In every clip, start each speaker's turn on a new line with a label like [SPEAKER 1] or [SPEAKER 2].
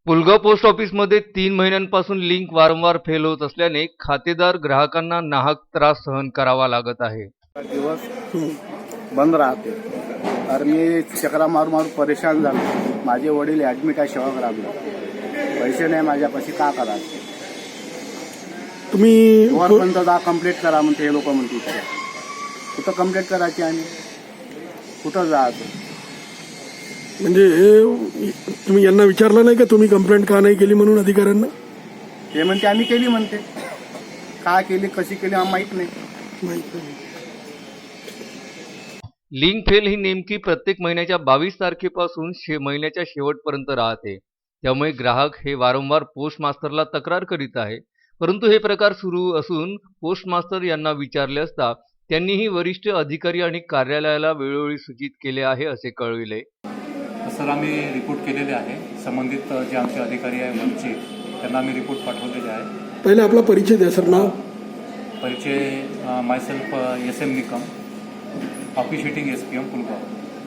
[SPEAKER 1] Pulgaon post ऑफिसमध्ये 3 महिन्यांपासून link वारंवार फेल होत असल्याने खातेदार ग्राहकांना नाहक त्रास सहन करावा लागत आहे.
[SPEAKER 2] दिवस बंद राहते तर मी चक्रा मारून मारून परेशान झालो. माझे वडील ॲडमिट आहे सेवाग्रामला. पैसे नाही माझ्यापाशी, का करायचं?
[SPEAKER 3] तुम्ही
[SPEAKER 2] वरपर्यंत जा कंप्लीट करा म्हणते हे लोक म्हणते. कुठं कंप्लीट करायची आणि कुठं जायचं?
[SPEAKER 3] म्हणजे हे तुम्ही यांना विचारलं नाही का तुम्ही कंप्लेंट का नाही केली म्हणून अधिकाऱ्यांना?
[SPEAKER 2] ते म्हणते आम्ही केली म्हणते. का केली, कशी केली आम्हाला माहीत नाही.
[SPEAKER 3] माहित नाही.
[SPEAKER 1] लिंक फेल ही नेमकी प्रत्येक महिन्याच्या 22 तारखेपासून महिन्याच्या शेवटपर्यंत राहते. त्यामुळे ग्राहक हे वारंवार पोस्ट मास्टरला तक्रार करीत आहे. परंतु हे प्रकार सुरू असून पोस्ट मास्टर यांना विचारले असता त्यांनीही वरिष्ठ अधिकारी आणि कार्यालयाला वेळोवेळी सूचित केले आहे असे कळविले.
[SPEAKER 4] सर, आम्ही रिपोर्ट केलेले आहे. संबंधित जे आमचे अधिकारी आहे वरचे त्यांना आम्ही रिपोर्ट पाठवलेले आहे.
[SPEAKER 3] पहिले आपला परिचय द्या सर. नाव?
[SPEAKER 4] परिचय myself SM Nikam, officiating SPM Pulgaon.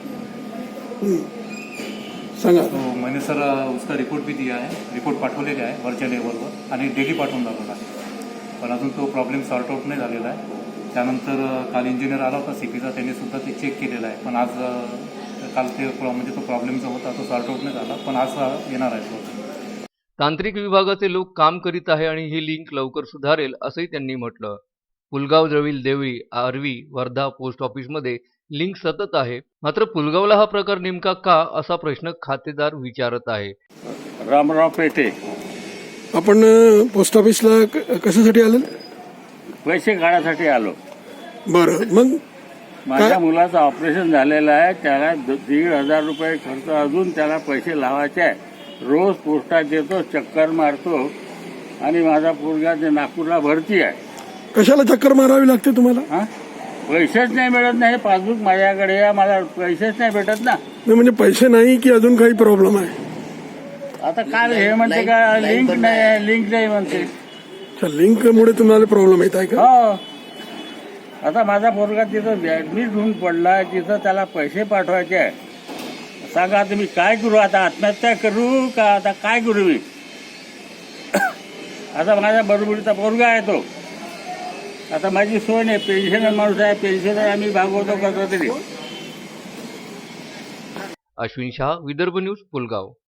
[SPEAKER 3] सांगा.
[SPEAKER 4] तो मैंने सर उसका रिपोर्ट भी दिया है, रिपोर्ट पाठवलेले आहे वरच्या लेवलवर आणि डेली पाठवून दाखवला आहे. पण अजून तो प्रॉब्लेम सॉर्ट आउट नाही झालेला आहे. त्यानंतर काल इंजिनियर आला होता CPचा, त्यांनी सुद्धा ते चेक केलेलं आहे. पण आज काल ते म्हणजे तो प्रॉब्लेम जो होता तो सॉर्ट आउट नाही झाला, पण आज येणार आहे तो.
[SPEAKER 1] तांत्रिक विभागाचे लोक काम करीत आहे आणि ही लिंक लवकर सुधारेल असंही त्यांनी म्हटलं. पुलगाव जवळील देवळी, आर्वी, वर्धा पोस्ट ऑफिसमध्ये लिंक सतत आहे. मात्र पुलगावला हा प्रकार नेमका का असा प्रश्न खातेदार विचारत आहे.
[SPEAKER 5] रामराव पेठे.
[SPEAKER 3] आपण पोस्ट ऑफिसला कशासाठी आले?
[SPEAKER 5] पैसे काढायसाठी आलो.
[SPEAKER 3] बरं, मग
[SPEAKER 5] माझ्या मुलाचं ऑपरेशन झालेलं आहे. त्याला 1,500 रुपये खर्च, अजून त्याला पैसे लावायचे आहे. रोज पोस्टात येतो, चक्कर मारतो आणि माझा पोरगा ते नागपूरला भरती आहे.
[SPEAKER 3] कशाला चक्कर मारावी लागते तुम्हाला?
[SPEAKER 5] हा, पैसेच नाही मिळत नाही. पासबुक माझ्याकडे आहे, मला पैसेच नाही भेटत ना.
[SPEAKER 3] नाही म्हणजे पैसे नाही की अजून काही प्रॉब्लेम आहे?
[SPEAKER 5] आता काल हे म्हणते का लिंक नाही, लिंक नाही म्हणते.
[SPEAKER 3] लिंकमुळे तुम्हाला प्रॉब्लेम येत आहे का?
[SPEAKER 5] हो. आता माझा पोरगा तिथं ऍडमिट होऊन पडला, तिथं त्याला पैसे पाठवायचे आहे. सांगा आता मी काय करू? आता आत्महत्या करू का आता काय करू मी? आता माझ्या बरोबरीचा पोरगा आहे तो. आता माझी सोय नाही. पेन्शनर माणूस आहे, पेन्शनर आम्ही भागवतो करतो तरी.
[SPEAKER 1] अश्विन शाह, विदर्भ न्यूज, पुलगाव.